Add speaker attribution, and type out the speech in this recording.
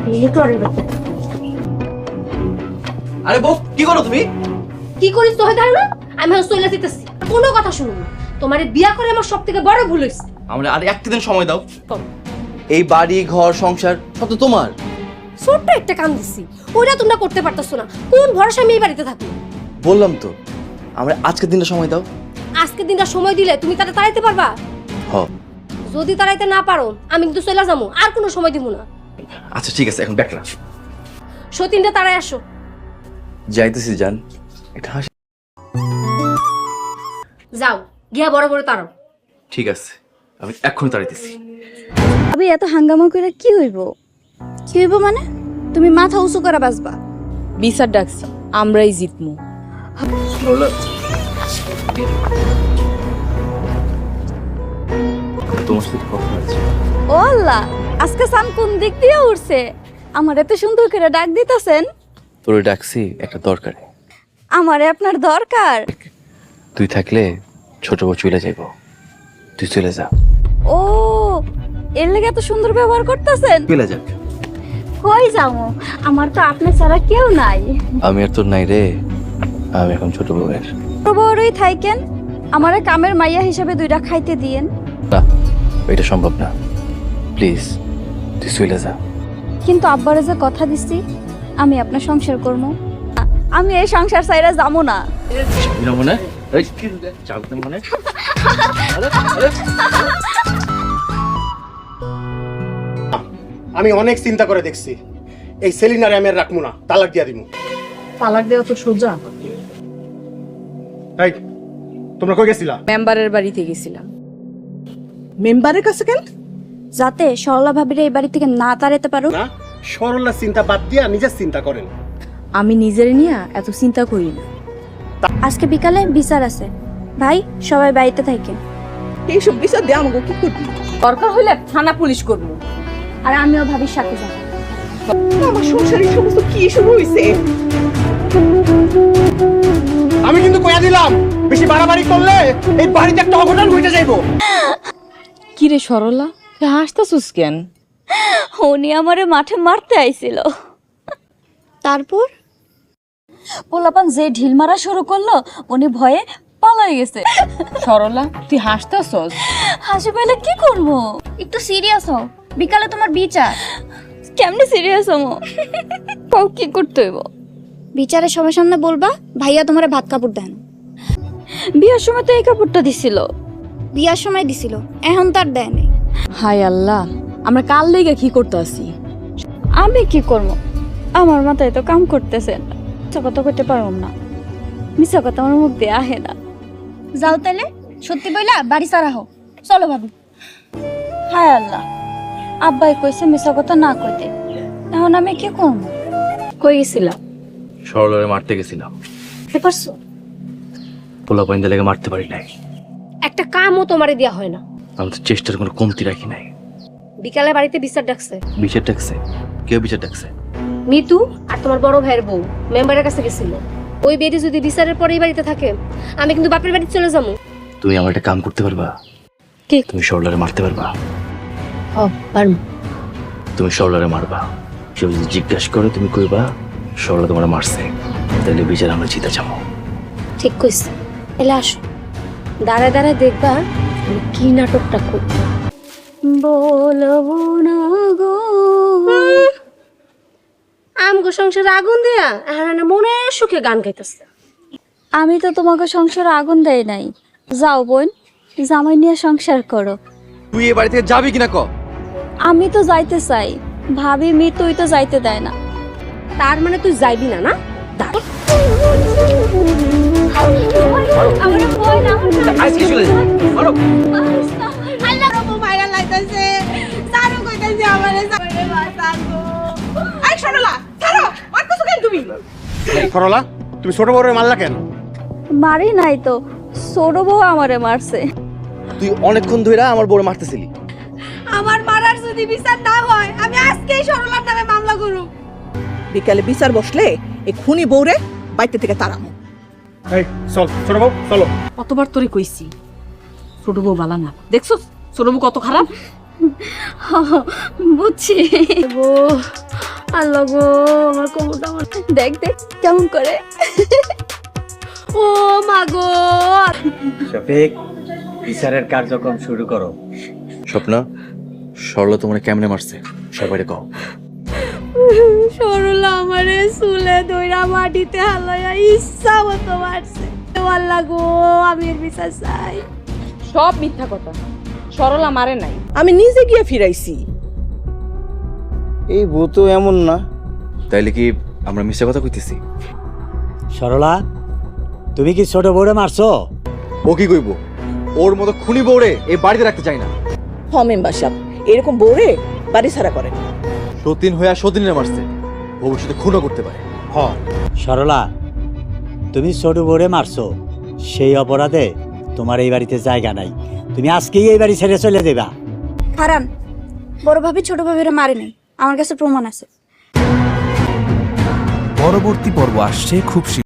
Speaker 1: আরে বউ কি করো তুমি?
Speaker 2: কি করিস তো হয় না? আমি চলে যেতেছি, কোনো কথা শুনুন না। তোমার বিয়া করে আমার সব থেকে বড় ভুল হয়েছে।
Speaker 1: আমরা আর একটা দিন সময় দাও। এই বাড়ি ঘর সংসার সব তো তোমার।
Speaker 2: ছোট্ট একটা কাম দিচ্ছি, ওইটা তোমরা করতে পারতেছো না। কোন ভরসা আমি এই বাড়িতে থাকি?
Speaker 1: বললাম তো আমরা আজকের দিনটা সময় দাও।
Speaker 2: আজকে দিনটা সময় দিলে তুমি তারা তাড়াইতে পারবা?
Speaker 1: হ।
Speaker 2: যদি তাড়াইতে না পারো আমি কিন্তু চলে যাবো, আর কোনো সময় দিব না।
Speaker 1: আচ্ছা ঠিক আছে, এখন ব্যাক রাখ।
Speaker 2: সতীনটা তাড়াই আসো।
Speaker 1: যাইতেছি জান, এটা হাসি।
Speaker 2: যাও গিয়া বড় বড় তাড়াও।
Speaker 1: ঠিক আছে, আমি এক্ষুনি তাড়াইতেছি।
Speaker 3: আবে এত হাঙ্গামা করে কি হইব? কি হইব মানে? তুমি মাথা উঁচু করে বাঁচবা।
Speaker 4: বিচার ডাকছি, আমরাই জিতমু।
Speaker 1: তোমার সাথে কথা আছে।
Speaker 3: ও আল্লাহ, আজকে সান কোন দিক দিয়ে উঠছে? আমার এত সুন্দর করে ডাক দিতেছেন।
Speaker 1: তোরে ডাকছি একটা দরকারে।
Speaker 3: আমারে আপনার দরকার?
Speaker 1: তুই থাকলে ছোট বউ চলে যাইব, তুই চলে যা।
Speaker 3: ও, এর লেগে এত সুন্দর ব্যবহার করতেছেন।
Speaker 1: চলে যাক।
Speaker 3: কই যাবো? আমার তো আপনি ছাড়া কেউ নাই।
Speaker 1: আমি আর তোর নাই রে, আমি এখন ছোট বউয়ের।
Speaker 3: বড়ই থাইকেন, আমারে কামের মাইয়া হিসেবে দুইটা খাইতে দিয়েন।
Speaker 1: না, এটা সম্ভব না। প্লিজ তুই চলে যা।
Speaker 3: কিন্তু আব্বারে যে কথা দিছি আমি আপনার সংসার করব, আমি এই সংসার ছাইরা যাবো না।
Speaker 1: মনে মনে
Speaker 5: আমি অনেক চিন্তা করে দেখছি, এই সেলিনারে আমি আর রাখবো না, তালাক দিয়া দিব।
Speaker 4: তালাক দেওয়া তো সোজা।
Speaker 5: তাই তোমরা কই গেছিলা?
Speaker 4: মেম্বারের বাড়িতে গেছিলাম।
Speaker 6: মেম্বারের কাছে কেন?
Speaker 3: যাতে সরলা ভাবিরে এই বাড়ি থেকে না তাড়াতে পারো।
Speaker 5: না, সরলার চিন্তা বাদ দিয়া নিজের চিন্তা করেন।
Speaker 4: আমি নিজের নিয়ে এত চিন্তা করি না।
Speaker 3: আজকে বিকালে বিচার আছে, ভাই সবাই বাড়িতে থাকেন।
Speaker 6: এইসব বিচার দিয়ে আমাকে কি করবি?
Speaker 4: দরকার হইলে থানা পুলিশ করবো।
Speaker 3: আর আমিও ভাবির সাথে যাব।
Speaker 6: আমার সংসারে এই সমস্ত কি শুরু হয়েছে?
Speaker 5: আমি কিন্তু কইয়া দিলাম, বেশি বাড়াবাড়ি করলে এই বাড়িতে একটা অঘটন ঘটে যাইবো।
Speaker 4: কি রে সরলা, তুই হাসতাছিস কেন?
Speaker 3: উনি আমারে মাঠে মারতে আইছিল, তারপর পোলাপান যে ঢিল মারা শুরু করলো উনি ভয়ে পালাই গেছে।
Speaker 4: সরলা তুই হাসতাছস?
Speaker 3: হাসি পাইলে কি করবো? একটু সিরিয়াস হও, বিকালে তোমার বিচার। কেমনে সিরিয়াস হমো? কও কি করতে হইব? বিচারের সবার সামনে বলবা ভাইয়া তোমারে ভাত কাপড় দেন। বিয়ার সময় তো এই কাপড়টা দিছিল। বিয়ার সময় দিছিল, এখন তার দেয় নাই।
Speaker 4: হায় আল্লাহ, আমরা কাল লেগে কি করতে আসি?
Speaker 3: আমি কি করবো? আমার মাথায় তো কাম করতেছে না। মিথ্যা কথা কইতে পারবো না, মিথ্যা কথা আমার মুখ দিয়ে আহে না। যাও তাইলে, সত্যি বইলা বাড়ি সারা হো। চলো ভাবি। হায় আল্লাহ, আব্বাই কইছে মিথ্যা কথা না কইতে, এখন আমি কি করবো?
Speaker 2: কই গেছিলাম?
Speaker 1: সরলারে মারতে গেছিলাম।
Speaker 2: পারছো?
Speaker 1: পোলা পাইন্দা লেগে মারতে পারি নাই।
Speaker 2: একটা কামও তোমারে দেয়া হয় না।
Speaker 1: আমি তো চেষ্টার কোনো কমতি রাখি নাই।
Speaker 2: বিকালে বাড়িতে বিচার ডাকছে।
Speaker 1: বিচার ডাকছে? কেউ বিচার ডাকছে?
Speaker 2: মিতু আর তোমার বড় ভাইয়ের বউ মেম্বারের কাছে গেছিল। ওই বেডি যদি বিচারের পরে এই বাড়িতে থাকে আমি কিন্তু বাপের বাড়ি চলে যাবো।
Speaker 1: তুমি আমার একটা কাম করতে পারবা?
Speaker 2: কি?
Speaker 1: তুমি সরলারে মারতে পারবা?
Speaker 2: ও পারবো।
Speaker 1: তুমি সরলারে মারবা, কেউ যদি জিজ্ঞাসা করে তুমি কইবা সরলা তোমার মারছে, তাহলে বিচার আমরা জিতে যাবো।
Speaker 2: ঠিক কইছে, এলে আসো, দাঁড়ায় দাঁড়ায় দেখবা আমি কি নাটকটা করব।
Speaker 3: বলবো না গো,
Speaker 2: আমগো সংসারে আগুন দিয়া এখন মনের সুখে গান গাইতেছে।
Speaker 3: আমি তো তোমাকে সংসারে আগুন দেই নাই। যাও বোন, জামাই নিয়ে সংসার করো।
Speaker 1: তুই এই বাড়ি থেকে যাবি কিনা ক?
Speaker 3: আমি তো যাইতে চাই, ভাবি মিতুই তো যাইতে দেয় না।
Speaker 2: তার মানে তুই যাইবি না? না দাঁড়া,
Speaker 1: আজকে চলে যাবি। মারো।
Speaker 5: সরলা, তুমি ছোট বউরে মারলা কেন?
Speaker 3: মারি নাই তো, ছোট বউ আমারে মারছে।
Speaker 1: তুই অনেকক্ষণ ধরে আমার বউরে মারতেছিলি।
Speaker 2: আমার মারার যদি বিচার না হয় আমি আজকেই সরলার নামে মামলা করব।
Speaker 6: বিকালে বিচার বসলে এই খুনি বউরে বাইতে থেকে তাড়ামো।
Speaker 5: এই চল ছোট বউ, চলো।
Speaker 4: কতবার তোরে কইছি ছোট বউ বালা না, দেখছো ছোট বউ কত খারাপ।
Speaker 3: বুঝছি। আল্লাহ গো আমার কোমরটা আমার দেখ দেখ কেমন করে ও মা গো
Speaker 7: শফিক বিচারের কার্যক্রম শুরু করো।
Speaker 1: স্বপ্না সরলা তোমার কেমনে মারছে সবাই কও।
Speaker 3: সরলা আমারে চুলে দইরা মাটিতে হালাইয়া ইচ্ছা মতো মারছে আল্লাহ গো আমি এর বিচার চাই।
Speaker 4: সব মিথ্যা কথা, সরলা মারে নাই।
Speaker 6: আমি নিজে গিয়ে ফিরাইছি।
Speaker 7: এই বউ তো এমন না।
Speaker 1: তাইলে কি আমরা মিথ্যা কথা কইতেছি?
Speaker 7: সরলা তুমি কি ছোট বউরে মারছো?
Speaker 5: ও কি কইব? ওর মতো খুনি বউরে এই বাড়িতে রাখতে চাই না।
Speaker 6: হ মেম্বার সাহেব, এরকম বউরে বাড়ি ছাড়া করে।
Speaker 5: সতীন হয়ে সতীনে মারছে, ভবিষ্যতে খুনও করতে পারে।
Speaker 7: সরলা তুমি ছোট বউরে মারছো, সেই অপরাধে তোমার এই বাড়িতে জায়গা নাই। তুমি আজকেই এই বাড়ি ছেড়ে চলে দেবা।
Speaker 3: হারান বড় ভাবি ছোট ভাবিরা মারে নাই, আমার কাছে প্রমাণ আছে।
Speaker 8: পরবর্তী পর্ব আসছে খুব